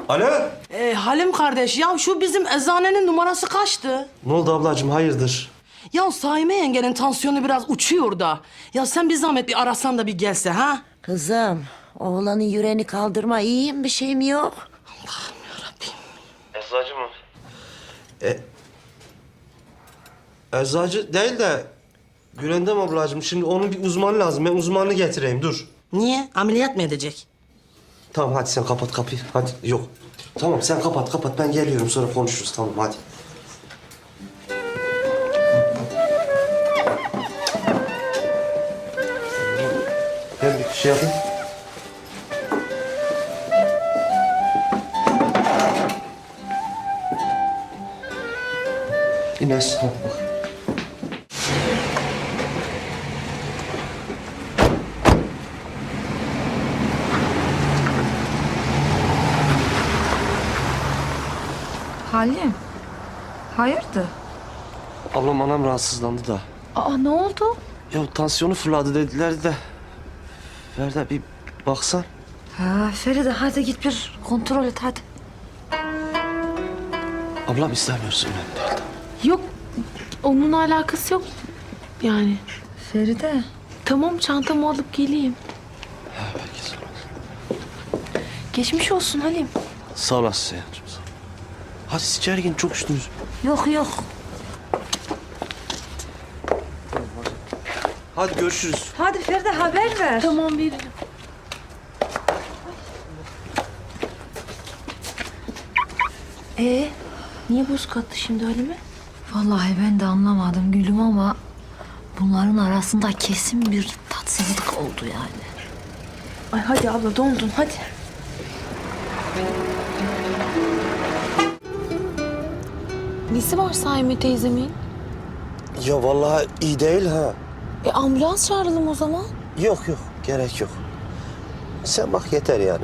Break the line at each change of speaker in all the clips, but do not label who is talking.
Alo?
Halim kardeş ya şu bizim eczanenin numarası kaçtı?
Ne oldu ablacığım, hayırdır?
Ya Saime yengenin tansiyonu biraz uçuyor da. Ya sen bir zahmet bir arasan da bir gelse ha?
Kızım, oğlanın yüreğini kaldırma. İyiyim, bir şeyim yok.
Allah'ım yarabbim.
Eczacı mı? Eczacı değil de... Gülendam ablacığım, şimdi onun bir uzmanı lazım. Ben uzmanını getireyim, dur.
Niye? Ameliyat mı edecek?
Tamam, hadi sen kapat kapıyı. Hadi, yok. Tamam, sen kapat. Ben geliyorum, sonra konuşuruz. Tamam, hadi. Ben bir şey yapayım. İnes, hadi bak.
Halim, hayırdır?
Ablam, anam rahatsızlandı da.
Aa, ne oldu?
Ya tansiyonu fırladı dediler de. Ferda bir baksan.
Ha, Feride hadi git bir kontrol et hadi.
Ablam istemiyorsun önemli değil.
Yok, onunla alakası yok yani.
Feride.
Tamam, çantamı alıp geleyim.
Ha, belki sonra.
Geçmiş olsun Halim.
Sağ olasın Seyhan'cığım, sağ ol. Hadi siz içeri girin, çok üşüdünüz.
Yok.
Hadi görüşürüz.
Hadi Feride haber ver.
Tamam, veririm. Niye buz kattı şimdi Halim'e?
Vallahi ben de anlamadım gülüm ama bunların arasında kesin bir tatsızlık oldu yani.
Ay hadi abla, dondun hadi. Nesi var Saime teyzemin?
Ya vallahi iyi değil ha.
Ambulans çağıralım o zaman.
Yok, gerek yok. Sen bak yeter yani.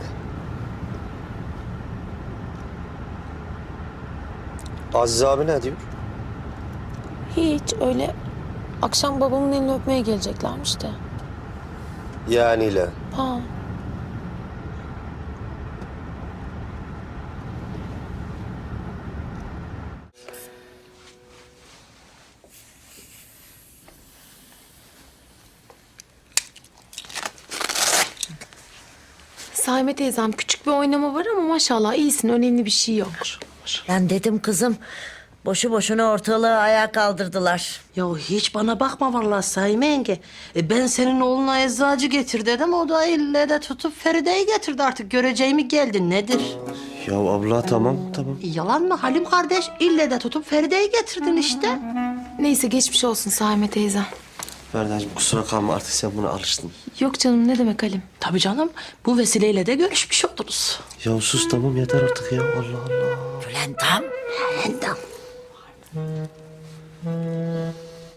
Aziz abi ne diyor?
Hiç öyle. Akşam babamın elini öpmeye geleceklermiş de.
Yaniyle.
Ha. Saime teyzem, küçük bir oynama var ama maşallah iyisin, önemli bir şey yok.
Ben dedim kızım, boşu boşuna ortalığı ayağa kaldırdılar.
Ya hiç bana bakma vallahi Saime yenge. Ben senin oğluna eczacı getir dedim. O da ille de tutup Feride'yi getirdi artık. Göreceğimi geldi. Nedir?
Ya abla tamam.
Yalan mı Halim kardeş? İlle de tutup Feride'yi getirdin işte.
Neyse, geçmiş olsun Saime teyzem.
Ferda'cığım kusura kalma, artık sen buna alıştın.
Yok canım, ne demek Halim?
Tabii canım. Bu vesileyle de görüşmüş oluruz.
Ya sus tamam, yeter artık ya, Allah Allah.
Bülent'im.
Endam.